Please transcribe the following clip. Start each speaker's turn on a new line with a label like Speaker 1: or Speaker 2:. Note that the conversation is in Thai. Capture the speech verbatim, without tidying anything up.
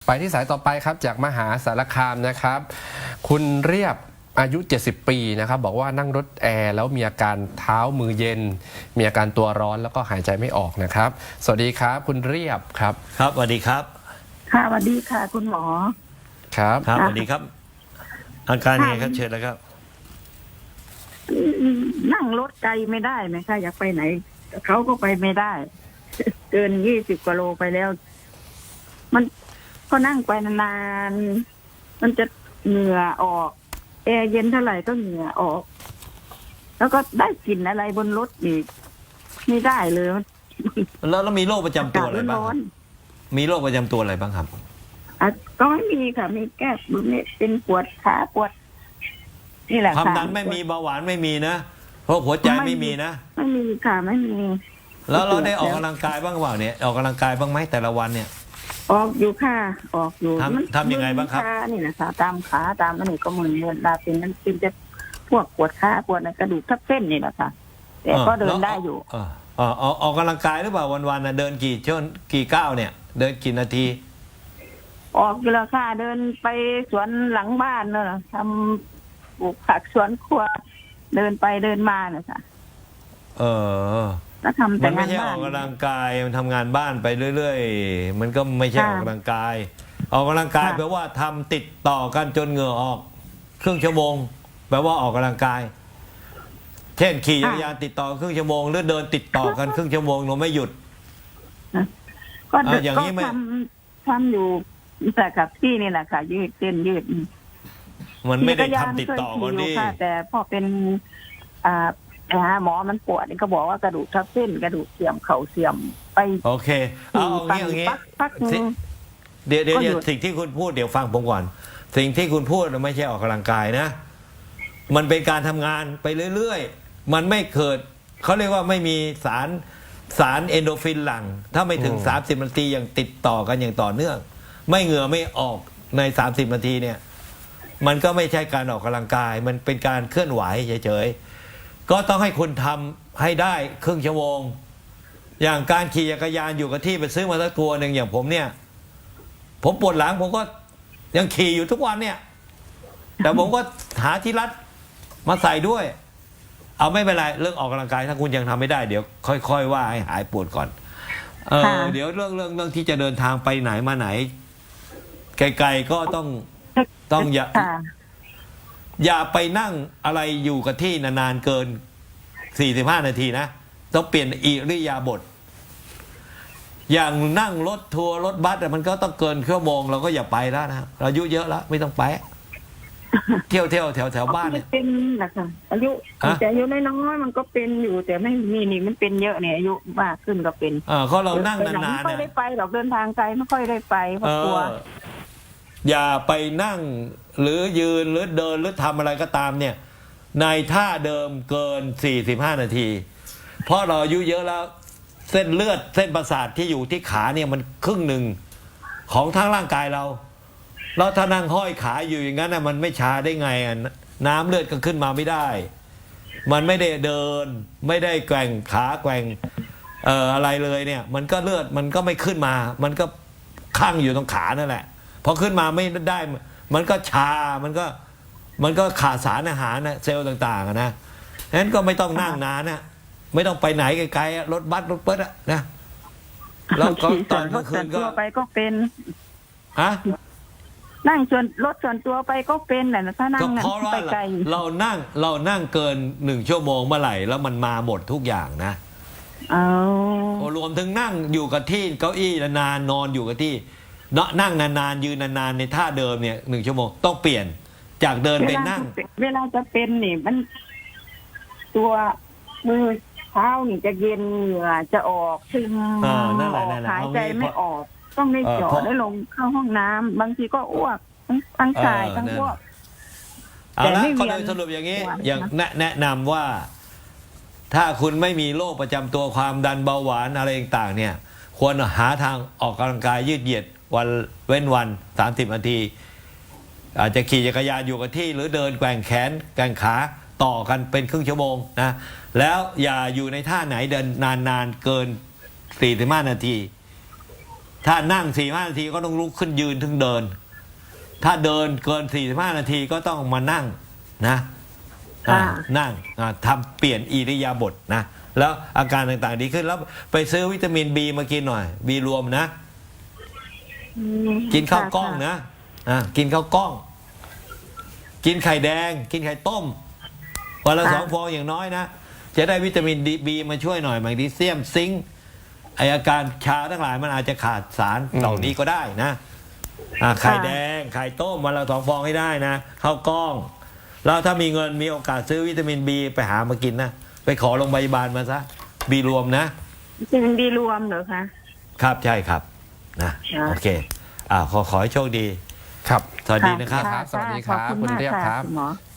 Speaker 1: ไปที่สายต่อไปครับจากมหาสารคามนะครับ คุณเรียบอายุเจ็ดสิบปีนะครับบอกว่านั่งรถแอร์แล้วมีอาการเท้ามือเย็นมีอาการตัวร้อนแล้วก็หายใจไม่ออกนะครับสวัสดีครับคุณเรียบครับ
Speaker 2: ครับสวัสดีครับ
Speaker 3: ค่ะสวัสดีค่ะคุณหมอ
Speaker 1: ครับ
Speaker 2: ครับสวัสดีครับอาการยังไงครับเชิญแล้วครับ
Speaker 3: นั่งรถไกลไม่ได้ไหมคะอยากไปไหนเขาก็ไปไม่ได้เกินยี่สิบกว่าโลไปแล้วมันก็นั่งไปนานๆมันจะเหงื่อออกแอร์เย็นเท่าไหร่ก็เหงื่อออกแล้วก็ได้กลิ่นอะไรบนรถอีกไม่ได้เลย
Speaker 2: แล้วแล้วมีโรคประจำตัวอะไรบ้างมีโรคประจำตัวอะไรบ้างครับ
Speaker 3: อ่ะก็ไม่มีค่ะมีแก้เป็นปวดขาปวดนี่แหละค่ะ
Speaker 2: ความดันไม่มีเบาหวานไม่มีนะเพราะหัวใจไม่มีนะ
Speaker 3: ไม่มีค่ะไม่มี
Speaker 2: แล้วเราได้ออกกำลังกายบ้างเปล่าเนี่ยออกกำลังกายบ้างไหมแต่ละวันเนี่ย
Speaker 3: ออกอยู่ค่ะออกอยู่
Speaker 2: ทำทำยังไงบ้างครับ
Speaker 3: นี่นะคะตามขาตามอันนี้ก็มือเดินดาเป็นนั่นเป็นจะพวกปวดขาปวดในกระดูกทับเส้นนี่แหละค่ะแต่ก็เดินได้อยู่
Speaker 2: เออเออออกกำลังกายหรือเปล่าวันๆนะเดินกี่ชั่วกี่ก้าวเนี่ยเดินกี่นาที
Speaker 3: ออกอยู่แล้วค่ะเดินไปสวนหลังบ้านเนอะทำปลูกผักสวนครัวเดินไปเดินมาเนี่ยค่ะ
Speaker 2: เออ
Speaker 3: แล้วทำแต่
Speaker 2: มันไม่ใช่ออกกำลังกายมันทำงานบ้านไปเรื่อยๆมันก็ไม่ใช่ออกกำลังกายออกกำลังกายแปลว่าทำติดต่อกันจนเหงื่อออกครึ่งชั่วโมงแปลว่าออกกำลังกายเช่นขี่จักรยานติดต่อครึ่งชั่วโมงหรือเดินติดต่อกันครึ่งชั่วโมงเราไม่หยุด
Speaker 3: ก็อย่างนี้ไม่ทำทำอยู่แต่กับที่นี่แหละค่ะยืดเส้นยืด
Speaker 2: มันไม่ได้ทำติดต่อกันดิ
Speaker 3: แต่พอเป็นอ่าหาหมอมันปวดนี่ก็บอกว่ากระดูกทับเส้นกระดูกเสื่อมเข่าเสื่อมไป
Speaker 2: โอเคเอาอย่างนี้เดี๋ยวเดี๋ยวสิ่งที่คุณพูดเดี๋ยวฟังผมก่อนสิ่งที่คุณพูดไม่ใช่ออกกำลังกายนะมันเป็นการทำงานไปเรื่อยๆมันไม่เกิดเขาเรียกว่าไม่มีสารสารเอนโดฟินหลั่งถ้าไม่ถึงสามสิบนาทีอย่างติดต่อกันอย่างต่อเนื่องไม่เหงื่อไม่ออกในสามสิบนาทีเนี่ยมันก็ไม่ใช่การออกกำลังกายมันเป็นการเคลื่อนไหวเฉยๆก็ต้องให้คุณทำให้ได้ครึ่งชั่วโมงอย่างการขี่จักรยานอยู่กับที่ไปซื้อมาสักตัวหนึ่งอย่างผมเนี่ยผมปวดหลังผมก็ยังขี่อยู่ทุกวันเนี่ยแต่ผมก็หาที่รัดมาใส่ด้วยเอาไม่เป็นไรเรื่องออกกำลังกายถ้าคุณยังทำไม่ได้เดี๋ยวค่อยๆว่าให้หายปวดก่อนเออเดี๋ยวเรื่องเรื่องเรื่องที่จะเดินทางไปไหนมาไหนไกลๆก็ต้องต้องอย่าอย่าไปนั่งอะไรอยู่กับที่นานๆเกินสี่สิบห้านาทีนะต้องเปลี่ยนอิริยาบถอย่างนั่งรถทัวร์รถบัสมันก็ต้องเกินชั่วโมงเราก็อย่าไปแล้วนะเราอายุเยอะแล้วไม่ต้องไปเที่ยวเที่ยวแถวแถวบ้านเนี่ย
Speaker 3: เป็นนะคะอายุแต่อายุน้อยๆมันก็เป็นอยู่แต่ไม่มีนี่มันเป็นเยอะเนี่ยอายุมากขึ้นก็เป็น
Speaker 2: เออเขาเรานั่งนานๆ
Speaker 3: ไม่ค่อยได้ไปหรอกเดินทางไกลไม่ค่อยได้ไปเพราะกลัว
Speaker 2: อย่าไปนั่งหรือยืนหรือเดินหรือทำอะไรก็ตามเนี่ยในท่าเดิมเกินสี่สิบห้านาทีเพราะเราอายุเยอะแล้วเส้นเลือดเส้นประสาทที่อยู่ที่ขาเนี่ยมันครึ่งหนึ่งของทั้งร่างกายเราแล้วถ้านั่งห้อยขาอยู่อย่างนั้นนะมันไม่ชาได้ไงอ่ะน้ำเลือดก็ขึ้นมาไม่ได้มันไม่ได้เดินไม่ได้แกว่งขาแกว่งเอ่ออะไรเลยเนี่ยมันก็เลือดมันก็ไม่ขึ้นมามันก็คั่งอยู่ตรงขานั่นแหละพอขึ้นมาไม่ได้มันก็ชามันก็มันก็ขาดสารอาหารนะเซลล์ต่างๆนะฉะนั้นก็ไม่ต้องนั่งนานนะไม่ต้องไปไหนไกลๆรถบัสรถเปิดอะนะ
Speaker 3: แล้วก็ตอนกลางคืนก็ไปก็เป็น
Speaker 2: ฮะ
Speaker 3: นั่งส่วนรถส่วนตัวไปก็เป็นแหละถ้านั่งไปไกล
Speaker 2: เรานั่งเรานั่งเกินหนึ่งชั่วโมงเมื่อไหร่แล้วมันมาหมดทุกอย่างนะ
Speaker 3: เอา
Speaker 2: รวมถึงนั่งอยู่กับที่เก้าอี้นานนอนอยู่กับที่นั่งนานๆยืนนานๆในท่าเดิมเนี่ยหนึ่งชั่วโมงต้องเปลี่ยนจากเดินไปนั่ง
Speaker 3: เวลาจะเป็นนี่มันตัวมือเท้านี่จะเย็นเหงื่อจะออกซึมออกหายใจไม่ออกต้องได้เจาะได้ลงเข้าห้องน้ำบางทีก็อ้วกทั้งชายทั้งอ้วก
Speaker 2: เอาละก็โดยสรุปอย่างนี้อย่างแนะนำว่าถ้าคุณไม่มีโรคประจำตัวความดันเบาหวานอะไรต่างๆเนี่ยควรหาทางออกกำลังกายยืดเหยียดวันเว้นวันสามสิบนาทีอาจจะขี่จักรยานอยู่กับที่หรือเดินแกว่งแขนแกว่งขาต่อกันเป็นครึ่งชั่วโมงนะแล้วอย่าอยู่ในท่าไหนเดินนานๆเกินสี่สิบห้านาทีถ้านั่งสี่ห้านาทีก็ต้องลุกขึ้นยืนถึงเดิน ถ้าเดินเกินสี่สิบห้านาทีก็ต้องมานั่งนะอ่า
Speaker 3: ค่ะ
Speaker 2: นั่งอ่าทำเปลี่ยนอิริยาบถนะแล้วอาการต่างๆดีขึ้นแล้วไปซื้อวิตามินบีมากินหน่อยบีรวมนะ
Speaker 3: อืม
Speaker 2: กินข้าว
Speaker 3: ค่ะ
Speaker 2: กล้อง
Speaker 3: ค่ะ
Speaker 2: นะอ่ากินข้าวกล้อง กินไข่แดง กินไข่ต้มวันละสองฟองอย่างน้อยนะจะได้วิตามินดีบีมาช่วยหน่อยแมกนีเซียมซิงค์ไออาการชาทั้งหลายมันอาจจะขาดสารเหล่านี้ก็ได้นะอ่าไข่แดงไข่ต้มวันละสองฟองให้ได้นะข้าวกล้องแล้วถ้ามีเงินมีโอกาสซื้อวิตามินบีไปหามากินนะไปขอโรงพยาบาลมาซะบีรวมนะ
Speaker 3: เป็นดีรวมเหรอคะ
Speaker 2: ครับใช่ครับนะครับ โอเคอ่าขอขอให้โชคดี
Speaker 1: ครับ
Speaker 2: สวัสดีนะครับ
Speaker 1: ครับสวัสดีครับ
Speaker 3: ขอณ
Speaker 1: คุณเรียบ
Speaker 3: มาก
Speaker 1: ครับ
Speaker 3: ณหมอ